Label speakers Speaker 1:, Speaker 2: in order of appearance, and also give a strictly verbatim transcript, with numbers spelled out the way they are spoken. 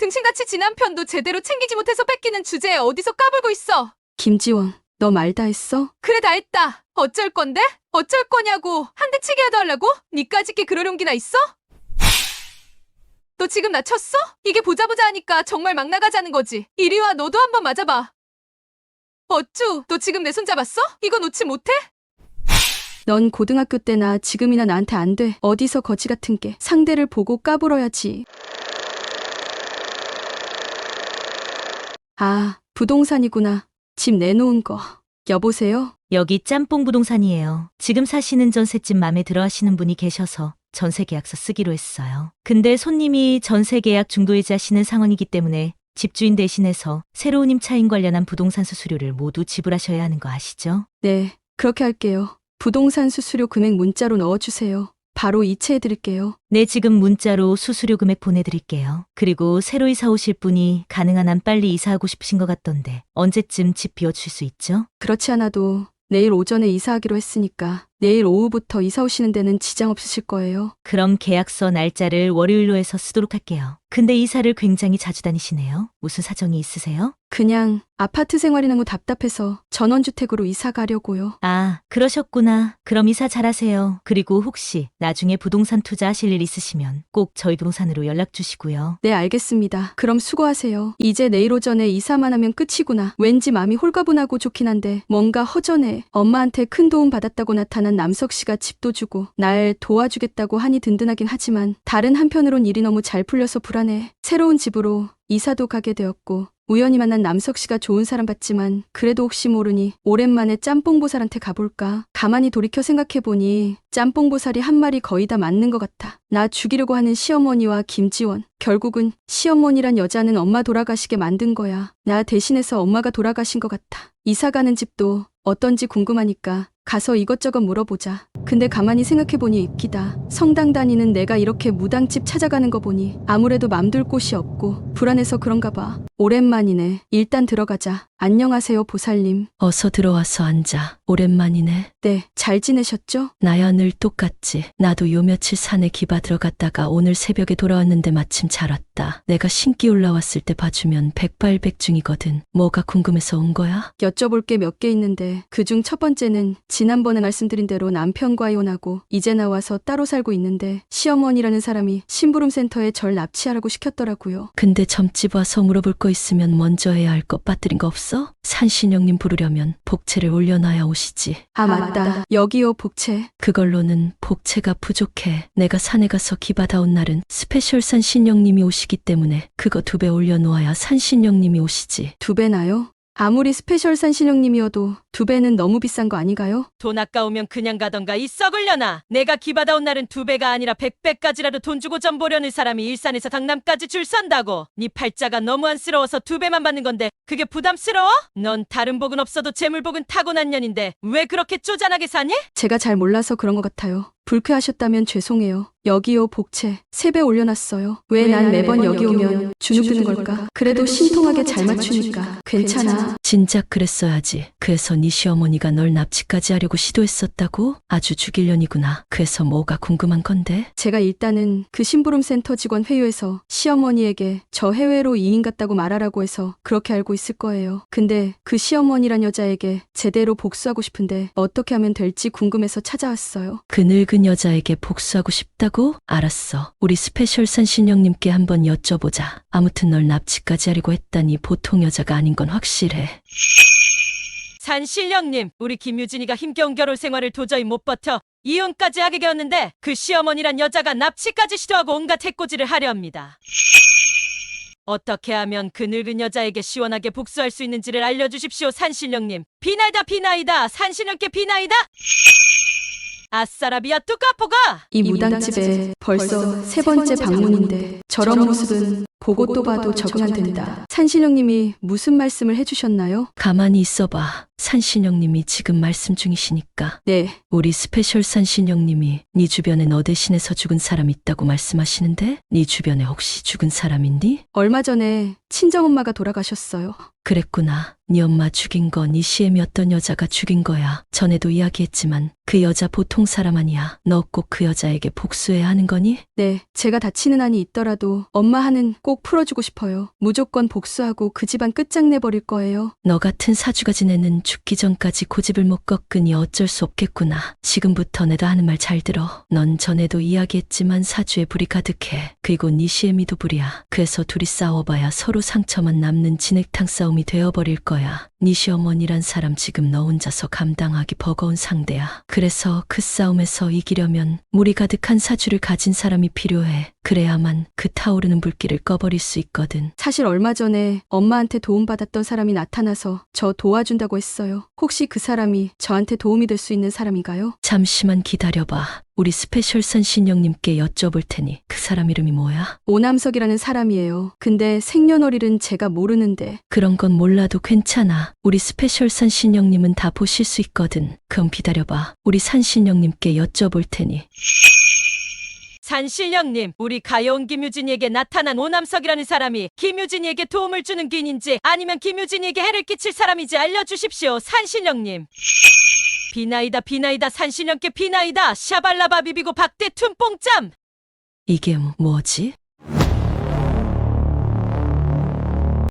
Speaker 1: 등신같이 지난 편도 제대로 챙기지 못해서 뺏기는 주제에 어디서 까불고 있어.
Speaker 2: 김지원, 너 말 다 했어?
Speaker 1: 그래 다 했다. 어쩔 건데? 어쩔 거냐고. 한 대 치게 해달라고? 니까짓 게 그럴 용기나 있어? 너 지금 나 쳤어? 이게 보자보자 하니까 정말 막 나가자는 거지. 이리 와, 너도 한번 맞아봐. 어쭈, 너 지금 내 손 잡았어? 이거 놓지 못해?
Speaker 2: 넌 고등학교 때나 지금이나 나한테 안 돼. 어디서 거지 같은 게. 상대를 보고 까불어야지. 아, 부동산이구나. 집 내놓은 거. 여보세요?
Speaker 3: 여기 짬뽕 부동산이에요. 지금 사시는 전셋집 맘에 들어 하시는 분이 계셔서 전세 계약서 쓰기로 했어요. 근데 손님이 전세 계약 중도이자시는 상황이기 때문에 집주인 대신해서 새로운 임차인 관련한 부동산 수수료를 모두 지불하셔야 하는 거 아시죠?
Speaker 2: 네, 그렇게 할게요. 부동산 수수료 금액 문자로 넣어주세요. 바로 이체해드릴게요.
Speaker 3: 네, 지금 문자로 수수료 금액 보내드릴게요. 그리고 새로 이사 오실 분이 가능한 한 빨리 이사하고 싶으신 것 같던데 언제쯤 집 비워주실 수 있죠?
Speaker 2: 그렇지 않아도 내일 오전에 이사하기로 했으니까 내일 오후부터 이사 오시는 데는 지장 없으실 거예요.
Speaker 3: 그럼 계약서 날짜를 월요일로 해서 쓰도록 할게요. 근데 이사를 굉장히 자주 다니시네요. 무슨 사정이 있으세요?
Speaker 2: 그냥 아파트 생활이 너무 답답해서 전원주택으로 이사 가려고요.
Speaker 3: 아, 그러셨구나. 그럼 이사 잘하세요. 그리고 혹시 나중에 부동산 투자하실 일 있으시면 꼭 저희 부동산으로 연락 주시고요.
Speaker 2: 네, 알겠습니다. 그럼 수고하세요. 이제 내일 오전에 이사만 하면 끝이구나. 왠지 마음이 홀가분하고 좋긴 한데 뭔가 허전해. 엄마한테 큰 도움 받았다고 나타난 남석 씨가 집도 주고 날 도와주겠다고 하니 든든하긴 하지만 다른 한편으론 일이 너무 잘 풀려서 불안해. 새로운 집으로 이사도 가게 되었고 우연히 만난 남석 씨가 좋은 사람 같지만 그래도 혹시 모르니 오랜만에 짬뽕보살한테 가볼까? 가만히 돌이켜 생각해보니 짬뽕보살이 한 말이 거의 다 맞는 것 같아. 나 죽이려고 하는 시어머니와 김지원. 결국은 시어머니란 여자는 엄마 돌아가시게 만든 거야. 나 대신해서 엄마가 돌아가신 것 같아. 이사 가는 집도 어떤지 궁금하니까 가서 이것저것 물어보자. 근데 가만히 생각해보니 입기다. 성당 다니는 내가 이렇게 무당집 찾아가는 거 보니 아무래도 맘둘 곳이 없고 불안해서 그런가 봐. 오랜만이네. 일단 들어가자. 안녕하세요, 보살님.
Speaker 4: 어서 들어와서 앉아. 오랜만이네.
Speaker 2: 네, 잘 지내셨죠?
Speaker 4: 나야 늘 똑같지. 나도 요 며칠 산에 기바 들어갔다가 오늘 새벽에 돌아왔는데 마침 잘 왔다. 내가 신기 올라왔을 때 봐주면 백발백중이거든. 뭐가 궁금해서 온 거야?
Speaker 2: 여쭤볼 게 몇 개 있는데 그중 첫 번째는 지난번에 말씀드린 대로 남편과 이혼하고 이제 나와서 따로 살고 있는데 시어머니라는 사람이 심부름센터에 절 납치하라고 시켰더라고요.
Speaker 4: 근데 점집 와서 물어볼 거 있으면 먼저 해야 할 거 빠뜨린 거 없어? 산신령님 부르려면 복채를 올려놔야 오시지.
Speaker 2: 아, 맞다. 여기요, 복채.
Speaker 4: 그걸로는 복채가 부족해. 내가 산에 가서 기바다 온 날은 스페셜 산신령님이 오시기 때문에 그거 두 배 올려놓아야 산신령님이 오시지.
Speaker 2: 두 배나요? 아무리 스페셜 산신령님이어도 두 배는 너무 비싼 거 아니가요?
Speaker 5: 돈 아까우면 그냥 가던가 이 썩을려나. 내가 기받아 온 날은 두 배가 아니라 백 배까지라도 돈 주고 점 보려는 사람이 일산에서 강남까지 줄 선다고. 네 팔자가 너무 안쓰러워서 두 배만 받는 건데 그게 부담스러워? 넌 다른 복은 없어도 재물복은 타고난 년인데 왜 그렇게 쪼잔하게 사니?
Speaker 2: 제가 잘 몰라서 그런 것 같아요. 불쾌하셨다면 죄송해요. 여기요, 복채. 세 배 올려놨어요. 왜 난 매번 여기 오면 주눅드는 걸까? 그래도 신통하게 잘 맞추니까 괜찮아.
Speaker 4: 진작 그랬어야지. 그래서 네 시어머니가 널 납치까지 하려고 시도했었다고? 아주 죽일년이구나. 그래서 뭐가 궁금한 건데?
Speaker 2: 제가 일단은 그 심부름센터 직원 회유에서 시어머니에게 저 해외로 이민 갔다고 말하라고 해서 그렇게 알고 있을 거예요. 근데 그 시어머니란 여자에게 제대로 복수하고 싶은데 어떻게 하면 될지 궁금해서 찾아왔어요.
Speaker 4: 그 늙은 여자에게 복수하고 싶다고? 알았어. 우리 스페셜 산신령님께 한번 여쭤보자. 아무튼 널 납치까지 하려고 했다니 보통 여자가 아닌 건 확실해.
Speaker 5: 산신령님, 우리 김유진이가 힘겨운 결혼 생활을 도저히 못 버텨 이혼까지 하게 되었는데 그 시어머니란 여자가 납치까지 시도하고 온갖 해코지를 하려 합니다. 어떻게 하면 그 늙은 여자에게 시원하게 복수할 수 있는지를 알려주십시오, 산신령님. 비나이다 비나이다, 산신령께 비나이다. 아싸라비아 뚜까포가!
Speaker 2: 이 무당집에 벌써 세 번째 방문인데 저런 모습은 보고 또 봐도 적응 안 된다. 산신령님이 무슨 말씀을 해주셨나요?
Speaker 4: 가만히 있어봐. 산신령님이 지금 말씀 중이시니까.
Speaker 2: 네.
Speaker 4: 우리 스페셜 산신령님이 네 주변에 너 대신해서 죽은 사람 있다고 말씀하시는데 네 주변에 혹시 죽은 사람 있니?
Speaker 2: 얼마 전에 친정엄마가 돌아가셨어요.
Speaker 4: 그랬구나. 네 엄마 죽인 건 이 시엠이 어떤 여자가 죽인 거야. 전에도 이야기했지만 그 여자 보통 사람 아니야. 너 꼭 그 여자에게 복수해야 하는 거니?
Speaker 2: 네, 제가 다치는 한이 있더라도 엄마 한은 꼭 풀어주고 싶어요. 무조건 복수하고 그 집안 끝장내버릴 거예요.
Speaker 4: 너 같은 사주가진 애는 죽기 전까지 고집을 못 꺾으니 어쩔 수 없겠구나. 지금부터 내가 하는 말 잘 들어. 넌 전에도 이야기했지만 사주에 불이 가득해. 그리고 네 시애미도 불이야. 그래서 둘이 싸워봐야 서로 상처만 남는 진흙탕 싸움이 되어버릴 거야. 네 시어머니란 사람 지금 너 혼자서 감당하기 버거운 상대야. 그래서 그 싸움에서 이기려면 물이 가득한 사주를 가진 사람이 필요해. 그래야만 그 타오르는 불길을 꺼버릴 수 있거든.
Speaker 2: 사실 얼마 전에 엄마한테 도움받았던 사람이 나타나서 저 도와준다고 했어요. 혹시 그 사람이 저한테 도움이 될 수 있는 사람인가요?
Speaker 4: 잠시만 기다려봐. 우리 스페셜산 신령님께 여쭤볼 테니 그 사람 이름이 뭐야?
Speaker 2: 오남석이라는 사람이에요. 근데 생년월일은 제가 모르는데.
Speaker 4: 그런 건 몰라도 괜찮아. 우리 스페셜산 신령님은 다 보실 수 있거든. 그럼 기다려봐. 우리 산 신령님께 여쭤볼 테니.
Speaker 5: 산신령님, 우리 가여운 김유진이에게 나타난 오남석이라는 사람이 김유진이에게 도움을 주는 귀인인지 아니면 김유진이에게 해를 끼칠 사람인지 알려주십시오. 산신령님. 비나이다 비나이다 산신령께 비나이다. 샤발라바 비비고 박대 툼뽕짬.
Speaker 4: 이게 뭐지?